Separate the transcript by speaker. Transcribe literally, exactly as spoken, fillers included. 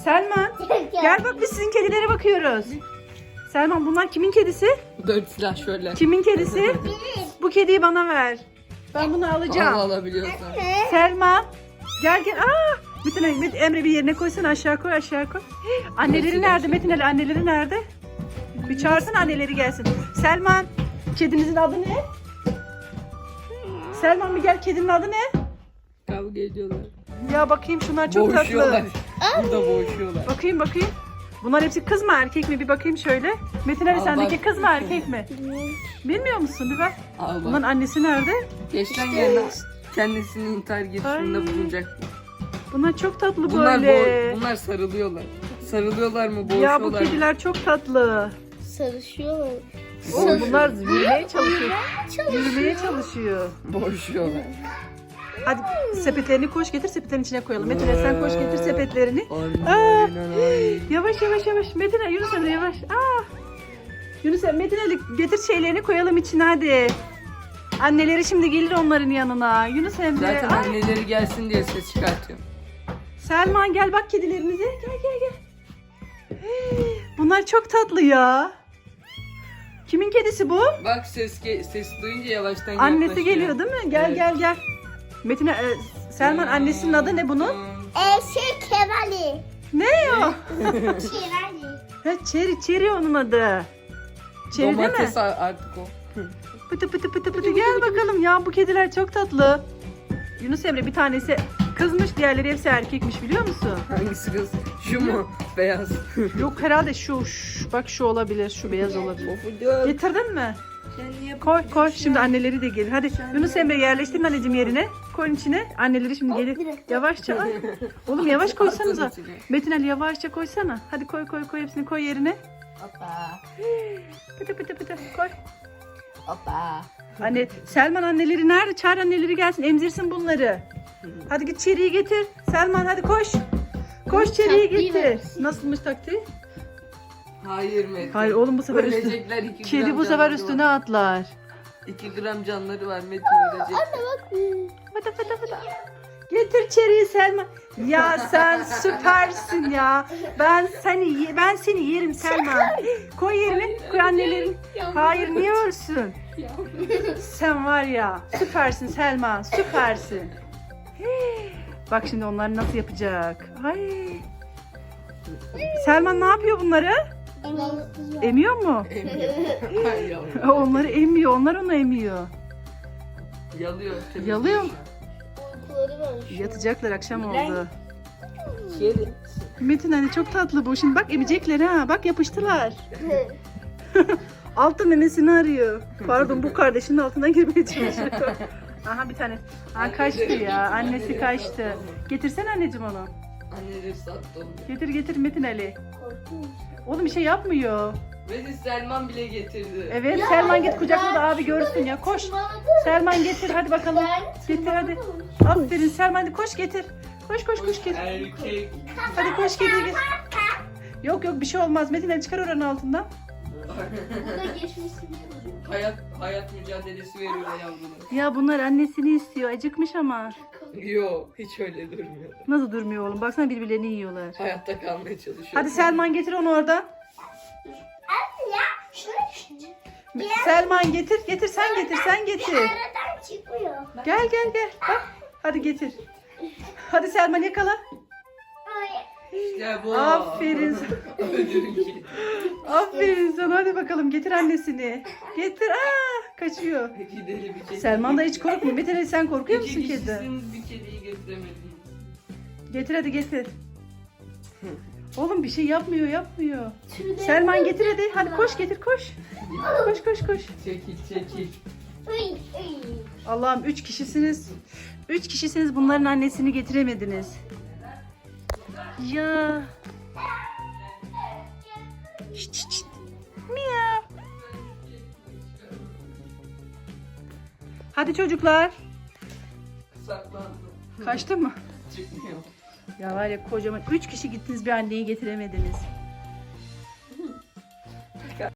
Speaker 1: Selman gel bak biz sizin kedilere bakıyoruz. Selman bunlar kimin kedisi?
Speaker 2: Dört silah şöyle.
Speaker 1: Kimin kedisi? Bu kediyi bana ver. Ben bunu alacağım.
Speaker 2: Al alabiliyorsan.
Speaker 1: Selman gel gel. Aa! Metin Ali, Met- Emre bir yerine koysana, aşağı koy, aşağı koy. Anneleri nerede Metin Ali? Anneleri nerede? Bir çağırsana anneleri gelsin. Selman, kedinizin adı ne? Selman bir gel, kedinin adı ne?
Speaker 2: Kavga ediyorlar.
Speaker 1: Ya bakayım şunlar çok
Speaker 2: Boğuşuyorlar.
Speaker 1: tatlı.
Speaker 2: Burada boğuşuyorlar.
Speaker 1: Bakayım bakayım. Bunlar hepsi kız mı erkek mi? Bir bakayım şöyle. Metin Ali
Speaker 2: Al
Speaker 1: sendeki
Speaker 2: bak.
Speaker 1: kız mı erkek mi? Bilmiyor musun? Bir bak.
Speaker 2: Al
Speaker 1: Bunların
Speaker 2: bak.
Speaker 1: annesi nerede?
Speaker 2: Geçten yerine kendisini intihar girişiminde
Speaker 1: Ay.
Speaker 2: bulunacak.
Speaker 1: Bunlar çok tatlı
Speaker 2: Bunlar,
Speaker 1: böyle.
Speaker 2: bo- bunlar sarılıyorlar. Sarılıyorlar mı boğuşuyorlar
Speaker 1: Ya bu
Speaker 2: mı?
Speaker 1: kediler çok tatlı.
Speaker 3: Sarışıyorlar.
Speaker 1: Oğlum bunlar yürümeye çalışıyor. Yürümeye çalışıyor.
Speaker 2: Boğuşuyorlar.
Speaker 1: Hadi sepetlerini koş getir, sepetlerin içine koyalım. Metin Ali sen koş getir sepetlerini. Aa,
Speaker 2: Aynen ay.
Speaker 1: yavaş yavaş yavaş. Metin Ali, Yunus Emre yavaş. Aa. Yunus Emre, Metin Ali getir şeylerini koyalım içine hadi. Anneleri şimdi gelir onların yanına. Yunus Emre.
Speaker 2: Zaten
Speaker 1: Ay.
Speaker 2: anneleri gelsin diye ses çıkartıyorum.
Speaker 1: Selman gel bak kedilerimize. Gel gel gel. Hey, bunlar çok tatlı ya. Kimin kedisi bu?
Speaker 2: Bak ses ge- ses duyunca yavaştan
Speaker 1: Annesi
Speaker 2: yaklaşıyor.
Speaker 1: geliyor değil mi? Gel
Speaker 2: Evet.
Speaker 1: gel gel. Metin e, Selman annesinin adı ne bunun?
Speaker 3: Ee, şey Kevali.
Speaker 1: Ne o?
Speaker 3: Kevali.
Speaker 1: Ha, Çeri, Çeri onun adı. Çeri değil mi?
Speaker 2: Domates a- artık o.
Speaker 1: Pıtı pıtı pıtı pıtı gel bakalım ya bu kediler çok tatlı. Yunus Emre bir tanesi kızmış, diğerleri hepsi erkekmiş biliyor musun?
Speaker 2: Hangisi kız? Şu mu? Beyaz.
Speaker 1: Yok herhalde şu, şu bak şu olabilir, şu beyaz olabilir.
Speaker 2: Of diyor.
Speaker 1: Getirdin mi?
Speaker 2: Sen niye
Speaker 1: Koy koy şimdi anneleri de gelir. Hadi Yunus Emre yerleştirin anneciğim yerine. Koyun içine. Anneleri şimdi gelir. Yavaşça. Ay. Oğlum yavaş koysanıza.
Speaker 2: Atın içine.
Speaker 1: Metin Ali yavaşça koysana. Hadi koy koy koy hepsini koy yerine.
Speaker 2: Hoppa.
Speaker 1: Pıtı pıtı pıtı koy.
Speaker 2: Hoppa.
Speaker 1: Anne Selman anneleri nerede? Çağır anneleri gelsin emzirsin bunları. Hadi git Çeri'yi getir. Selman hadi koş. Koş Çeri'yi
Speaker 3: Taktiği
Speaker 1: getir.
Speaker 3: versin.
Speaker 1: Nasılmış taktiği?
Speaker 2: Hayır Metin.
Speaker 1: Hayır oğlum bu sefer üstüne.
Speaker 2: Ölecekler iki
Speaker 1: Kedi
Speaker 2: gram
Speaker 1: bu sefer
Speaker 2: canları
Speaker 1: üstüne
Speaker 2: var.
Speaker 1: atlar.
Speaker 2: iki gram canları var Metin ölecek.
Speaker 1: Fıtı fıtı fıtı. Getir Çeri'yi Selman. Ya sen süpersin ya. Ben seni ye- ben seni yerim Selman. Koy yerine. Koy annelerin. Hayır niye ölsün? Sen var ya süpersin Selman. Süpersin. Hey, bak şimdi onlar nasıl yapacak. Ay. Selman ne yapıyor bunları? Emiyor mu?
Speaker 2: Emiyor. Hayır yavrum.
Speaker 1: Onları emiyor. Onlar onu emiyor.
Speaker 2: Yalıyor. temizliyor
Speaker 1: Yalıyor mu?
Speaker 2: şu an.
Speaker 3: Uykuları var.
Speaker 1: Yatacaklar akşam oldu.
Speaker 2: Kedi.
Speaker 1: Metin hani çok tatlı bu. Şimdi bak emecekler ha. Bak yapıştılar. Altı memesini arıyor. Pardon bu kardeşinin altına girmeye çalışıyor. Aha bir tane. Ha kaçtı ya. Annesi kaçtı. Getirsene anneciğim onu.
Speaker 2: Anneleri sattı onu.
Speaker 1: Getir getir Metin Ali. Oğlum bir şey yapmıyor.
Speaker 2: Metin Selman bile getirdi.
Speaker 1: Evet Selman git kucakla da abi görsün ya. Koş. Selman getir hadi bakalım. Getir hadi. Aferin Selman hadi koş getir. Koş koş koş getir.
Speaker 2: Erkek.
Speaker 1: Hadi koş getir getir. Yok yok bir şey olmaz. Metin Ali çıkar oranın altından.
Speaker 3: Burada geçmesini diyorum.
Speaker 2: hayat hayat mücadelesi veriyor yavrular.
Speaker 1: Ya bunlar annesini istiyor. Acıkmış ama.
Speaker 2: Yo hiç öyle durmuyor.
Speaker 1: Nasıl durmuyor oğlum? Baksana birbirlerini yiyorlar.
Speaker 2: Hayatta kalmaya çalışıyor.
Speaker 1: Hadi Selman getir onu oradan.
Speaker 3: Şuraya
Speaker 1: Selman getir, getir sen getir, sen getir.
Speaker 3: aradan çıkmıyor.
Speaker 1: Gel gel gel. Bak. Hadi getir. Hadi Selman yakala.
Speaker 2: İşte bu.
Speaker 1: Aferin sana.
Speaker 2: Öldürün kedi.
Speaker 1: Aferin sana. Hadi bakalım getir annesini. Getir. Aa, kaçıyor.
Speaker 2: Gidelim bir kedi.
Speaker 1: Selman da hiç korkmuyor. Metin Ali sen korkuyor musun
Speaker 2: İki
Speaker 1: kedi?
Speaker 2: kişisiniz bir kediyi getiremediniz.
Speaker 1: Getir hadi getir. Oğlum bir şey yapmıyor, yapmıyor. Selman getir hadi. Hadi koş getir koş. Koş koş koş.
Speaker 2: Çekil çekil.
Speaker 1: Allah'ım üç kişisiniz. Üç kişisiniz bunların annesini getiremediniz. Ya. Şşt şşt şşt. Miyav. Hadi çocuklar.
Speaker 2: Saklandı.
Speaker 1: Kaçtı mı?
Speaker 2: Çıkmıyor.
Speaker 1: Ya var ya kocaman üç kişi gittiniz bir anneyi getiremediniz.